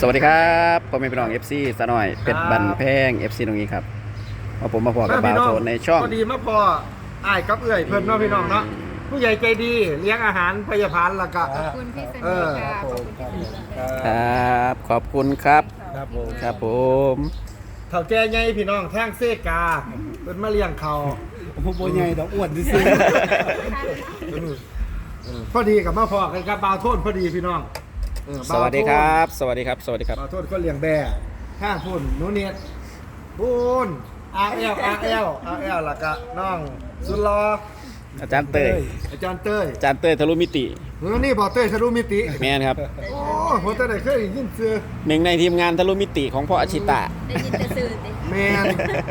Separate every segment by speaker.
Speaker 1: สวัสดีครับผมเป็นพี่น้อง FC สะหน่อยเป็ดบันแพง FC ตรงนี้ครับมาผมมาพอกับบ่าวโทนในช่อง
Speaker 2: พอดีมาพออ้ายกับเอื้อยเพิ่นเนาะพี่น้องเนาะผู้ใหญ่ใจดีเลี้ยงอาหารพยาบาลแล้วก็
Speaker 3: ขอบคุณพี่สนิทค่ะขอบคุณพี่สนิท
Speaker 1: ครับขอบคุณครับ
Speaker 2: ครับผม
Speaker 1: ครับผม
Speaker 2: เฒ่าแก่ใหญ่พี่น้องแท่งเซกาเพิ่นมาเลี้ยงเขา
Speaker 4: ผมบ่ใหญ่ดอกอ้วนซื่อ
Speaker 2: พอดีกับมาพอกันกับบ่าวโทนพอดีพี่น้อง
Speaker 1: สวัสดีครับสวัสดีครับสวัสดีครับ
Speaker 2: บ่าวโทนคนเลี้ยงแบ่ข้างพุ่นหนูเนียดพุ่นRLแล้วก็น้องสุดหล่อ
Speaker 1: อาจารย์เต้ย
Speaker 2: อาจารย์เต้ย
Speaker 1: อาจารย์เต้ยทะลุมิติ
Speaker 2: นี่บ่เต้ยทะลุมิติ
Speaker 1: แม่นครับ
Speaker 2: โอ้ผมจะได้เคยได้ยินชื่อ
Speaker 1: หนึ่งในทีมงานทะลุมิติของพ่ออาชิตะ
Speaker 3: ได้ยินแต่สื่อดิ
Speaker 2: แมน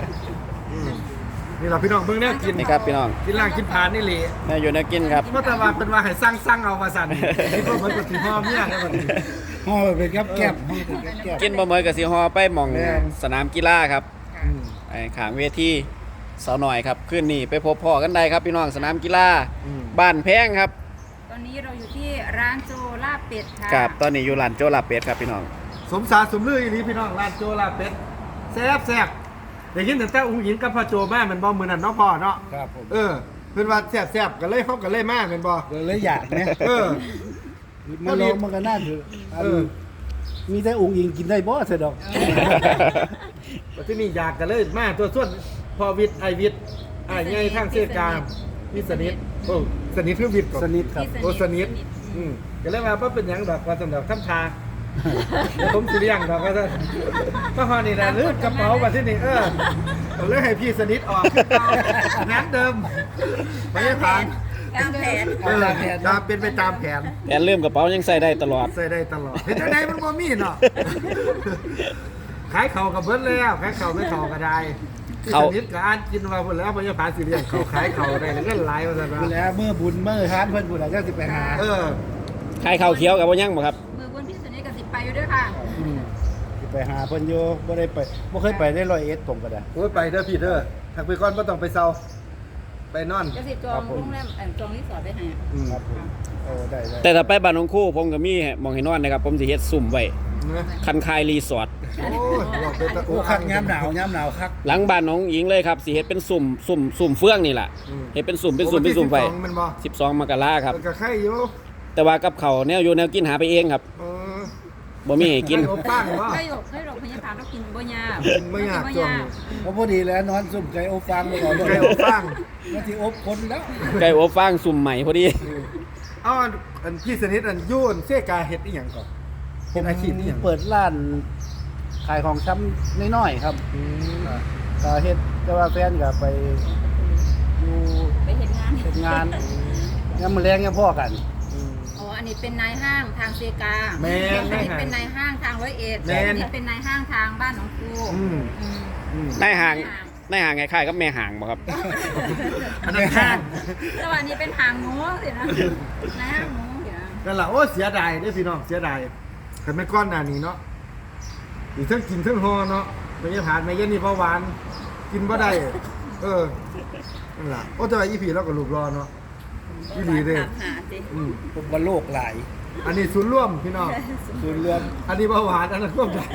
Speaker 2: นี่เราพี่น้องเบิ่งเนี่ยกิน
Speaker 1: นี่ครับพี่น้อง
Speaker 2: กินล่างกินผ่านนี่แหละ
Speaker 1: แม่อยู่นักกินครับ
Speaker 2: เมื่อตะวันเป็นว่าให้สั่งเอามาสั่นนี่ก็เหมือนกับสีหอมเนี่ยครับวันนี้
Speaker 4: ๆห่อเป็นแก้บห่อเป็นแก้บ
Speaker 1: กินบ่เมยกับสีฮอไปหม่อง
Speaker 2: แม่น
Speaker 1: สนามกีฬาครับ
Speaker 2: อืม
Speaker 1: ไอ้ขางเวทีสาวหน่อยครับขึ้นนี่ไปพบพ่อกันได้ครับพี่น้องสนามกีฬา
Speaker 2: อืม
Speaker 1: บ้านแพงครับ
Speaker 3: ตอนนี้เราอยู่ที่ร้านโจลาบเป็ดค่ะ
Speaker 1: ครับตอนนี้อยู่ร้านโจลาเป็ดครับพี่น้อง
Speaker 2: สมสารสมลืออีหลีพี่น้องร้านโจลาเป็ดแซ่บได้ยินแต่อุ้งหญิงกับพ่อโจแม่มันบ่มื้อนั้นเนาะพ่อเนาะ
Speaker 4: ครับผม
Speaker 2: เเพิ่นว่าแซ่บๆก็เลยเขาก็เลยมาแม่นบ่
Speaker 4: เลยอยากนะ
Speaker 2: เออ
Speaker 4: มาลองมันก็น่าถืออัน
Speaker 2: เออ
Speaker 4: มีแต่องค์อิงกินได้บ่เสยดอก
Speaker 2: ว่าที่นี่อยากกันเลยมาตัวส่วนพอวิทย์ไอวิทย์ไอ้ใหญ่ทางเสกาพี่สนิทโอ้สนิทคือวิทย์ก่อน
Speaker 4: สนิทครับ
Speaker 2: โอ้สนิทก็เลยว่าบ่เป็นหยังดอกว่าสำหรับทำทาเดี๋ยวผมสิเลี้ยงดอกว่าซั่นก็ฮอนี่ล่ะลืมกระเป๋าว่าที่นี่ก็เลยให้พี่สนิทออกคือเก่านัดเดิมไม่ได้ผ่าน
Speaker 3: ตามแผน
Speaker 2: ตามเป็นไปตามแผน
Speaker 1: แอนลืมกระเป๋ายังใส่ได้ตลอด
Speaker 2: ใส่ได้ตลอดเห็นได้มันบ่มีเนาะขายเข่ากับเบิดแล้วขายเข่าไม่เข่าก็ได้พี่สนิทก็อ่านกินมาพุ่นแล้วพยาบาลสิเลี้ยงเขาขายเข่าได้แล้วก็หลายว่าซั่น
Speaker 4: พูด
Speaker 2: ว่า
Speaker 4: แล้วเมื่อบุญเมื่อทานเพิ่นพูดแล้วจะสิไปหา
Speaker 1: ใครข้าวเขียวกับว่ายังบ่ครับ
Speaker 3: มือบุญพี่สนิทกับสิไปอยู่ด้วยค่ะ
Speaker 4: สิไปหาเพิ่นอยู่บ่ได้ไปบ่เคยไปได้101ผมก็ได้
Speaker 2: โอ้ยไปเด้อพี่เด้อทางไปก่อนบ่ต้องไปเซาไปนอน
Speaker 3: จะสิจองโรงแรมจองรีสอร์ทได้ให้
Speaker 4: ครับผมโอ้ได้
Speaker 1: แต่ถ้าไปบ้านน้องคู่ผมก็มีหมองให้นอนนะครับผมสิเฮ็ดซุ่มไว้
Speaker 2: นะ
Speaker 1: คันคายรีสอร์ท
Speaker 2: โอ้ยบอกไปตะ
Speaker 4: โอ้คักยามหนาวคัก
Speaker 1: หลังบ้านน้องหญิงเลยครับสิเฮ็ดเป็นสุ่มเฟื่องนี่แหละเฮ็ดเป็นสุ่มไป
Speaker 2: ไปมันบ่
Speaker 1: 12มกราครับ
Speaker 2: มันก็ไข่อยู่
Speaker 1: แต่ว่ากับเขาวแนวอยู่แนวกินหาไปเองครับ
Speaker 2: เออ
Speaker 1: บ่มีให้กิน
Speaker 2: ไข่อบป้างบ่
Speaker 3: ให้หลบพยาบาลเรากินบ่ยาก
Speaker 2: กินบ่ยากจ้วง
Speaker 4: ๆก็พอดีแล้วนอนซุ่มไก่อบฟางไปก่อน
Speaker 2: ไข่อบป้าง
Speaker 4: แล้วสิอบคนแล้ว
Speaker 1: ไก่อบฟางสุ่มใหม่พอดี
Speaker 2: เอาอันพี่สนิทอันยุ่นเสกาเฮ็ดอีหยังก่อนเป็นอาชีพอีหยัง
Speaker 4: เปิดร้านขายของช้ำน้อยๆครับก็เฮ็ดแต่ว่าแฟนก็ไปอยู่
Speaker 3: ไปเห็นงาน
Speaker 4: เฮ็ดงานยามมื้อแลงยังพ่อกัน
Speaker 3: อ๋ออันนี้เป็นนายห้างทางเซกา
Speaker 2: แม่น
Speaker 3: อันนี้เป็นนายห้างทางร้อยเอ็ดอันนี้เป็นนายห้างทางบ้านหนองคู
Speaker 1: นายห่างคล้ายๆกับแม่ห่างบ่ครับ
Speaker 2: อันนั้นข้าง
Speaker 3: แต่ว่าอันนี้เป็นหางหมูสินะนายห้างหมูสินะ
Speaker 2: นั่นล่ะโอ้เสียดายเด้อพี่น้องเสียดายคันไม่ก้อนหน้านี้เนาะอีเทั้งกินเทั้งฮอเนาะไม่ได้ผ่านไม่ยันนี่เบาหวานกินบ่ได้นั่นล่ะโอ้แต่ว่าอีผีเราก็รูปรอเนาะอีหลีเด้อ
Speaker 3: ถามหาสิ
Speaker 4: ผมว่าโลกหลาย
Speaker 2: อันนี้ศูนย์ร่วมพี่น้อง
Speaker 4: ส่วนรวม
Speaker 2: อันนี้เบาหวานอันนั้นร่วมกัน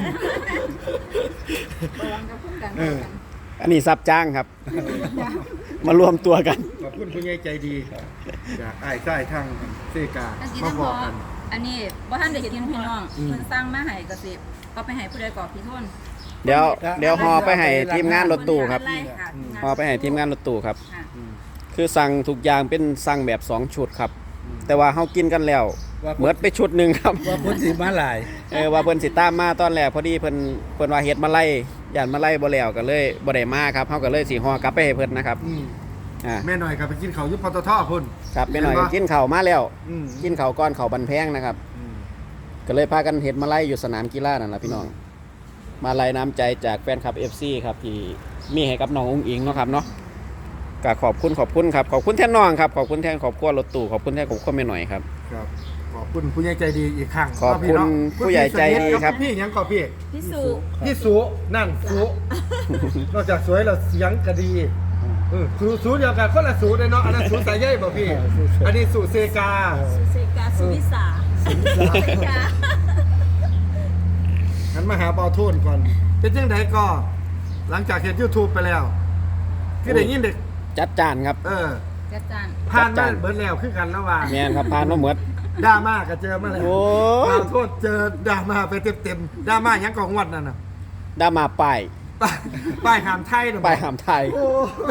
Speaker 3: ระวังกับพุ่งกัน
Speaker 1: อันนี้ซับจ้างครับ มารวมตัวกัน
Speaker 2: ขอบคุณผู้ใหญ่ใจดีจากอ้ายใต้ทางเซกา
Speaker 3: อันนี้
Speaker 2: มา
Speaker 3: ทั้ง
Speaker 2: บ
Speaker 3: หม
Speaker 2: อก
Speaker 3: ด
Speaker 2: กัน
Speaker 3: อันนี้ว่าท่านได้กินพี่น้องเพิ่นสร้างมาให้กระสิบก็ไปให้ผู้ใดก่อพี่ทน
Speaker 1: เดี๋ยวฮอไปให้ทีมงานรถตู้ครับ
Speaker 3: ไล่ค่ะ
Speaker 1: ฮอไปให้ทีมงานรถตู้ครับ
Speaker 3: ค่ะ
Speaker 1: คือสั่งทุกอย่างเป็นสั่งแบบ2ชุดครับ แต่ว่าเฮากินกันแล้วเหมือนไปชุดหนึ่งครับ
Speaker 4: ว่าพ้นสิมาหลาย
Speaker 1: ว่าเพิ่นสิตามมาตอนแรกพอดีเพิ่นว่าเฮ็ดมาไล่ย่านมาไล่บ่แล้วก็เลยบ่ได้มาครับเฮาก็เลยสิฮอกลับไปให้เพิ่นนะครับอ่า
Speaker 2: แม่หน่อยครับไปกินเขาวอยุบปตทพุ่น
Speaker 1: ครับไปหน่อยก็กินข้าวมาแล้ว
Speaker 2: อืม
Speaker 1: กินข้าวก่อนข้าวบันแพงนะครับ ก็เลยพากันเฮ็ดมาไล่อยู่สนามกีฬานั่นล่ะพี่น้อง มาไล่น้ำใจจากแฟนคลับ FC ครับที่มีให้กับน้องอุ้งอิงเนาะครับเนาะก็ขอบคุณครับขอบคุณแทนน้องครับขอบคุณแทนครอบครัวรถตู้ขอบคุณแทนครอบครัวแม่หน่อยครับ
Speaker 2: ครับขอบคุณผู้ใหญ่ใจดีอีกครั้ง
Speaker 1: ขอบคุณผู้ใหญ่ใจดีครับ
Speaker 2: พี่ยังขอพี่
Speaker 3: พี่สุ
Speaker 2: พี่สุนั่นสุนอกจากสวยแล้วเสียงก็ดีสูเดียวกันคนละสูเลยเนาะอันนั้นสูสายใยบ่พี่ อันนี้สูเซกา
Speaker 3: สุเซกาสุวิสาสุวิสา
Speaker 2: งั้นมาหาเบาโทนก่อน เป็นจังไดก็ หลังจากเห็น YouTube ไปแล้วคือได้ยินเด็ก
Speaker 1: จัดจานครับ
Speaker 3: จัดจาน
Speaker 2: ผ่านมาเบิดแล้วคือกันแล้วว่า
Speaker 1: แม่นครับผ่านมาหมด
Speaker 2: ดราม่าก็เจอมาแล้ว
Speaker 1: โอ้ย
Speaker 2: เบาโทนเจอดราม่าไปเต็มๆดราม่าหยังกองวัดนั่นน่ะ
Speaker 1: ดามาป้าย
Speaker 2: ป้ายหามไทยน่ะ
Speaker 1: ป้ายหามไทย
Speaker 2: โอ้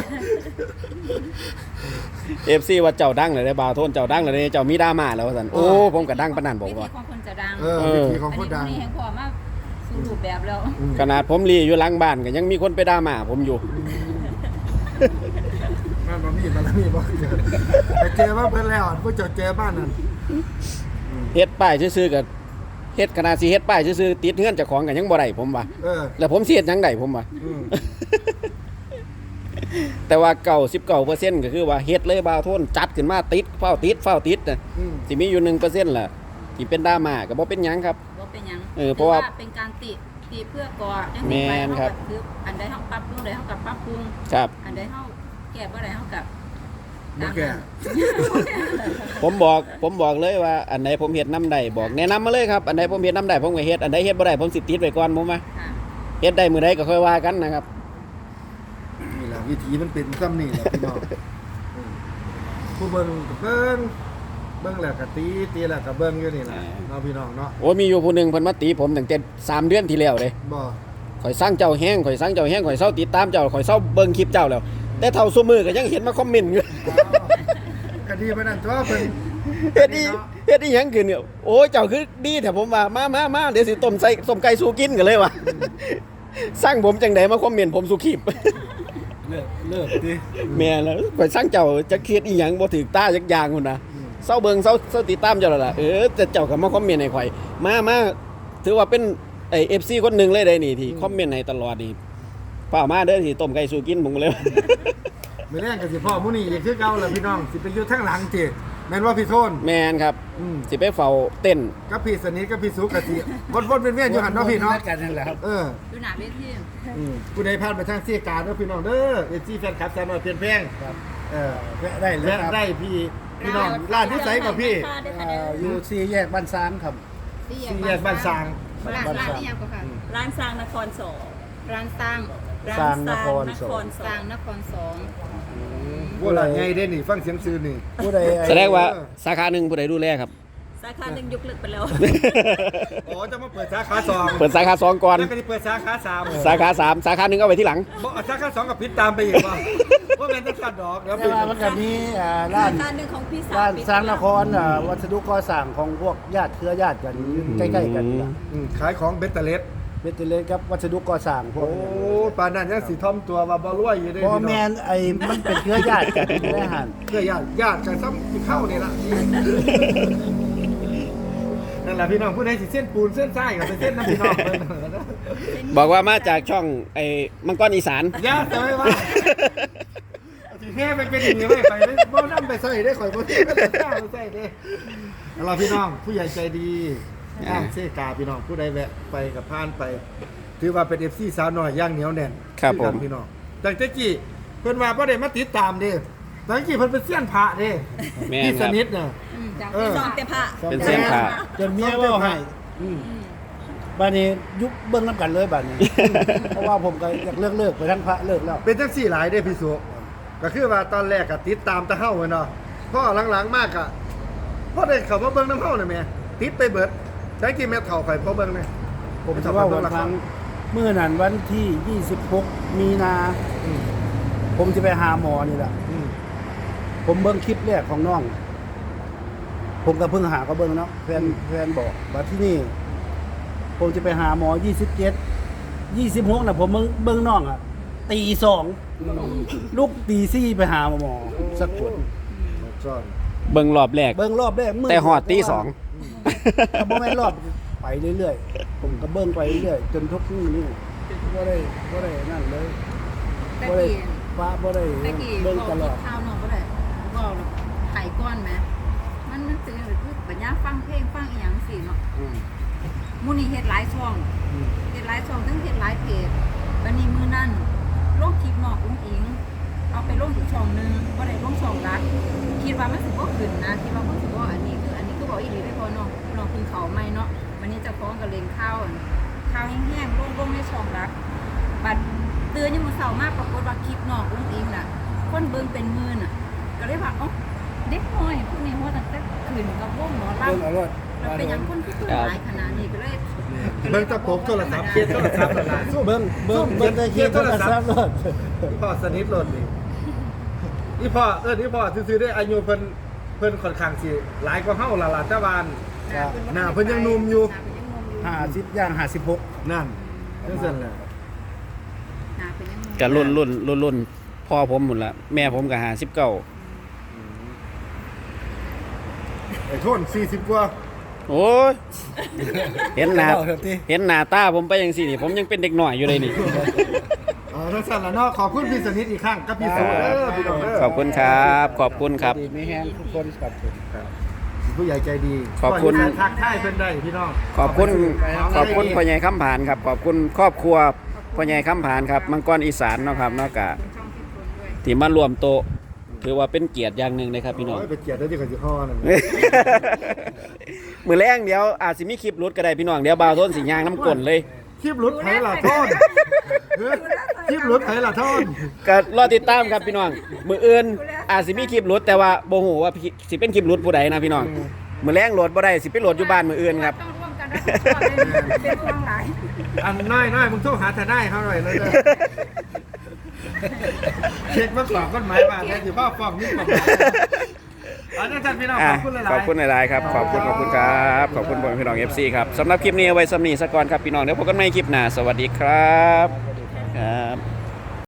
Speaker 1: FC ว่าเจ้าดังเลยได้บ่าวโทนเจ้าดังเลยเด้เจ้ามีดราม่าแล้วว่าซั่นโอ้ผมก็ดังปานนั้นบอก
Speaker 3: วิธี
Speaker 1: ว่า
Speaker 3: ของคนจะดัง
Speaker 2: วิธีของ
Speaker 3: อัน
Speaker 2: คน
Speaker 3: นี้
Speaker 2: ดัง
Speaker 3: แห่งพอมาสู่รูปแบบแล้ว
Speaker 1: ขนาดผมรีอยู่หลังบ้านก็ยังมีคนไปด่ามาผมอยู่
Speaker 2: มันบ่มีบ่เจอแต่เจอมาเพิ่นแล้วผู้เจ้าเจอบ้านนั่น
Speaker 1: เฮ็ดป้ายซื่อๆก็เฮ็ดขนาดสิเฮ็ดป้ายซื่อๆติดเฮือนเจ้าของก็ยังบ่ได้ผมว่า แล้วผมสิเฮ็ดหยังได้ผมว่า
Speaker 2: อืม
Speaker 1: แต่ว่า99%ก็คือว่าเฮ็ดเลยบ่าวโทนจัดขึ้นมาติดเฝ้าติดน่ะ
Speaker 2: อืม
Speaker 1: สิมีอยู่ 1%ล่ะที่เป็นดราม่าก็บ่เป็นหยังครับ
Speaker 3: ว่าเป็นหยัง
Speaker 1: เพราะว่า
Speaker 3: เป็นการติเพื่อก่อจัง
Speaker 1: แม่นครับ
Speaker 3: คืออันใดเฮาปรับปรุงใดเฮากับปรับปรุง
Speaker 1: ครับ
Speaker 3: อันใดเฮาแก้บ่ได้เฮากับ
Speaker 2: บ่แก่
Speaker 1: ผมบอกเลยว่าอันไหนผมเฮ็ดนำได้บอกแนะนำมาเลยครับอันไหนผมเฮ็ดนำได้ผมก็เฮ็ดอันใดเฮ็ดบ่ได้ผมสิติดไว้ก่อนผมว่า
Speaker 3: ค่ะ
Speaker 1: เฮ็ดได้มื้อใดก็ค่อยว่ากันนะครับ
Speaker 2: นี่แหละวิธีมันเป็นซ้ำนี่แหละพี่น้องผู้เบิ่งก็เบิ่งแล้วก็ตีแล้วก็เบิ่งอยู่นี่แหละเนาะพี่น้องเนาะ
Speaker 1: โอ้มีอยู่ผู้หนึงเพิ่นมาตีผมตั้งแต่3 เดือนที่แล้วเด้
Speaker 2: บ่
Speaker 1: ข่อยสร้างเจ้าแห้งข่อยเศร้าติดตามเจ้าข่อยเศร้าเบิ่งคลิปเจ้าแล้ว แต่เท่าซุมือก็ยังเห็นมาคอมเมนต์อยู่
Speaker 2: ก็ดีปานนั้นตัวเพิ่น
Speaker 1: เฮ็ดอีหยังขึ้นเนี่ยโอ้ยเจ้าคือดีแต่ผมว่ามาเดี๋ยวสิต้มไก่สู้กินกันเลยว่ะ สร้างผมจังไดมาคอมเมนต์ผมสู้คลิป
Speaker 4: เลิกดิ
Speaker 1: แม่แล้วข่อยสร้างเจ้าจะเครียดอีหยังบ่ถึกตาจักอย่างพุ่นน่ะเศร้าเบิ่งเศร้าติดตามเจ้าแล้วล่ะแต่เจ้าก็มาคอมเมนต์ให้ข่อยมาถือว่าเป็นไอ้ FC คนหนึงเลยได้นี่ที่คอมเมนต์ให้ตลอดนี่เปล่ามาเด้อสิต้มไก่สู้กินผมก็เลย
Speaker 2: มื้อแรงก็สิพ่อมื้อนี้อีกคือเก่าล่ะพี่น้องสิไปอยู่ทางหลังติแม่นว่าพี่โทน
Speaker 1: แมนครับ
Speaker 2: อืม
Speaker 1: สิไปเฝ้าเต้น
Speaker 2: กับพี่สนิทกับพี่สุกก็สิวนๆเวียนๆอยู่หั่นเนาะพี่เนาะ
Speaker 4: กันนั่นแหละครับ
Speaker 3: ดูหน้าเวที
Speaker 2: ผู้ใดผ่านไปทางเสียการเด้อพี่น้องเด้อ FC แฟนคลับสาวน้อยเพียนแพง
Speaker 4: ครับ
Speaker 2: แวะได้เลยได้พี่น้องร้านที่ไสกับพี่
Speaker 4: อยู่สี่แยกบ้านซางครับ
Speaker 2: สี่แยกบ้านสร้าง
Speaker 3: ร้าน
Speaker 4: บ้านสร้าง
Speaker 3: นี่ยังก็ค่ะ
Speaker 5: ร้านสร้างนครสอง
Speaker 3: ร้านสร้าง
Speaker 4: สร้างนครสอง
Speaker 3: สร้างนครสอง
Speaker 2: ว่าล่ะไงเด้นี่ฟังเสียงซื่อนี่
Speaker 4: ผู้ใด
Speaker 1: แสดงว่าสาขาหนึ่งผู้ใดดูแลครับ
Speaker 5: สาขาหนึ่งยกเลิกไปแล้ว
Speaker 2: อ๋อจะมาเปิดสาขา2
Speaker 1: เปิดสาขาสองก่อน
Speaker 2: แล้วก็จะเปิดสาขา3
Speaker 1: สาขาสามสาขาหนึ่งเอาไว้ที่หลัง
Speaker 2: บ่สาขา2กับพิษตามไปอีกว่าแม่นจะกัดดอกแล้ว
Speaker 4: แต่ว่ามันก็มีร้าน
Speaker 5: สาขาหนึ่งของพี่สาว
Speaker 4: ร้าน
Speaker 5: ปิด
Speaker 4: สร้างนครวัสดุก่อสร้างของพวกญาติเครือญาติกันใกล้ๆกันนี่ล่ะ
Speaker 2: ขายของเบตเตอร์เลส
Speaker 4: เบตเตอร์เลสครับวัสดุก่อสร้างพว
Speaker 2: โอ้
Speaker 4: ก
Speaker 2: ปานนั้นยังสิท่อมตัวว่าบ่รวยอยู่เด้
Speaker 4: บ่แม่นไอ้มันเป็นเครือญาติกันอยู่ในหัน
Speaker 2: เพื่อญาติกันซ้ำสิเข้านี่ล่ะนั่นแหละพี่น้องผู้ใดสิเส้นปูนเส้นทรายกับเส้นน้ำพี่น้องเพิ่น
Speaker 1: บอกว่ามาจากช่องไอ้มังกรอีสาน
Speaker 2: อย่าจะไม่ว่าสิแห่ไปเป็นอย่างนี้ไว้ข่อยบ่นำไปใส่ได้ข่อยบ่ได้ไปใส่เด้แล้วเราพี่น้องผู้ใหญ่ใจดีอ้างเสกาพี่น้องผู้ใดแวะไปกับผ่านไป ถือว่าเป็น FC สาวน้อยย่างเหนียวแน่น
Speaker 1: ครับ
Speaker 2: อกัน
Speaker 1: ผม
Speaker 2: พี่น้องแต่ตะกี้เพิ่นว่าบ่ได้มาติดตามเด้ตะกี้เพิ่นเป็นเสี้ยนพระเด้
Speaker 1: แม่น
Speaker 2: พี่
Speaker 1: ค
Speaker 2: ส
Speaker 1: รับ
Speaker 2: นิทน่ะ
Speaker 3: จาก
Speaker 2: เออ
Speaker 5: สองเตะผ้า
Speaker 1: เป็นเส้นผ่า
Speaker 4: จนเมียเว่าให้บัดนี้ยุบเบิ่งน้ำกันเลยบัดนี้ เพราะว่าผมก็อยากเลิกไปทั้งพระเลิกแล้ว
Speaker 2: เป็นจังซี่หลายเด้พี่สุก็คือว่าตอนแรกก็ติดตามแตะเฮาแม่นเนาะพอหลังๆมากก็พอได้เข้ามาเบิ่งน้ำเฮาน่ะแม่ติดไปเบิดใช้กี่เม็ดเท่าข่อยพอเบิ่งแม่
Speaker 4: ผมจะว่าวันครั้งเมื่อนั้นวันที่ 26 มีนา ผมจะไปหาหมอนี่แหละ
Speaker 2: อืม
Speaker 4: ผมเบิ่งคลิปแรกของน้อง ผมก็เพิ่งหาก็เบิ่งเนาะแฟนบอกว่าที่นี่ ผมจะไปหาหมอ 27 26น่ะผมเบิ่งน้องอ่ะตี2ลูกตี4ไปหาหมอสักคน
Speaker 2: ซ่อน
Speaker 1: เบิ่งรอบแรก
Speaker 4: เบิ่งรอบแรกมื้
Speaker 1: แต่หอดตีสอง
Speaker 4: ถ้าบ่แม่นรอบไปเรื่อยๆผมก็เบิ่งไปเรื่อยๆจนทุกมื้อนี้บ่ได้นั่นเลย
Speaker 3: ตะ
Speaker 4: บ่ได้
Speaker 3: กี้
Speaker 4: ฟ้าบ่ได้
Speaker 3: ตะกี้
Speaker 4: เบิ่งตลอด
Speaker 3: ข้าวน้องก็ได้บอกไข่ก้อนไหมมันเป็นคือปัญญาฟังเพลงฟังอีหยังสิเนาะมื้อนี้เฮ็ดหลายช่องเฮ็ดหลายช่องทั้งเฮ็ดหลายเพจวันนี้มื้อนั้นลงคลิปนอกอุ้งอิงเอาไปลงอีกช่องนึงบ่ได้ลงช่องรักคิดว่ามันสิบ่ขึ้นนะคิดว่ามันสิบ่อันนี้คือบอกอีหลีได้พอน้องเพิ่งเข้าใหม่เนาะวันนี้เจ้าของก็เล็งข้าวข่าวแห้งๆลงในช่องรักบัดตื่นยังมื้อเช้ามากปรากฏว่าคลิปน้องอุ้งอิงน่ะคนเบิ่งเป็นหมื่นอ่ะก็เลยว่าเอ้าเด็กน้อยผู้นี้ว่าตั้งแต่คืนกับวงหมอลำ
Speaker 4: เบิ่งเอารถ
Speaker 3: มันเป็นหยังคนคือหลายขนาดนี้ก็เลย
Speaker 2: เบิ่งตะปบโทรศัพท์เคสโทรศัพท์นั่นล่ะสู้
Speaker 4: เบิ่งได้เคียโทรศัพท์รถ
Speaker 2: อีพ่อสนิทรถนี่อีพ่ออีพ่อซื่อๆได้อายุเพิ่นค่อนข้างสิหลายกว่าเฮาล่ะแต่ว่า หน้าเพิ่นยังหนุ่มอยู่
Speaker 4: 50ย่าง56
Speaker 2: นั่นจังซั่นแหละ
Speaker 3: หน้าเป็นยังหนุ่ม
Speaker 1: ก็รุ่นพ่อผมหมดละแม่ผมก็59
Speaker 2: ไอ้โทน40กว่า
Speaker 1: โอ้ยเห็นหน้าตาผมไปจังซี่นี่ผมยังเป็นเด็กน้อยอยู่เลยนี่
Speaker 2: จังซั่นล่ะเนาะขอบคุณพี่สนิทอีกครั้งกับพี่สุเด้อพี่น้องเด้อ
Speaker 1: ขอบคุณครับขอบคุณครับ
Speaker 4: ดีไม่แห้งทุกคนครับผม
Speaker 2: ผู้ใหญ่ใจดี
Speaker 1: ขอบคุณ
Speaker 2: ทักทายเพิ่นได้พี่น้อง
Speaker 1: ขอบคุณพ่อใหญ่คำผานครับขอบคุณครอบครัวพ่อใหญ่คำผานครับมังกรอีสานเนาะครับเนาะกะ
Speaker 3: เป็นช่องที่คนด้วย
Speaker 1: ที่มารวมโต๊ะถือว่าเป็นเกียรติอย่างหนึ่งเลยครับพี่น้อง
Speaker 2: โยเป็นเกียรติได้ที่เขาสิฮ้อนั่น
Speaker 1: มือแรงเดี๋ยวอาจสิมีคลิปหลุดก็ได้พี่น้องเดี๋ยวบ่าวโทนสิย่างน้ำกลนเลย
Speaker 2: คลิปหลุดไผล่ะโทนคลิปหลุดไผล่ะโทน
Speaker 1: ก็รอติดตามครับพี่น้องมืออื่นอาจสิมีคลิปหลุดแต่ว่าบ่ฮู้ว่าสิเป็นคลิปหลุดผู้ใดนะพี่น้องมือแรงโหลดบ่ได้สิไปโหลดอยู่บ้านมืออื่นครับ
Speaker 3: ต้องร่วมกันรับผิดชอบเลยเป็นพลังหลาย
Speaker 2: อันน้อยมึงโทรหาทนายเขาหน่อยเลยเด้อเช็คมาสอบกฎหมายมาแค่สิพ่อฟ้องนี่กฎหมายอันนั้นท่านพี่น้องขอบคุณหลายๆ
Speaker 1: ขอบคุณหลายๆครับขอบคุณครับขอบคุณพี่น้อง FC ครับสำหรับคลิปนี้เอาไว้สำนีซะก่อนครับพี่น้องเดี๋ยวพบกันใหม่คลิปหน้าสวัสดีครับครับ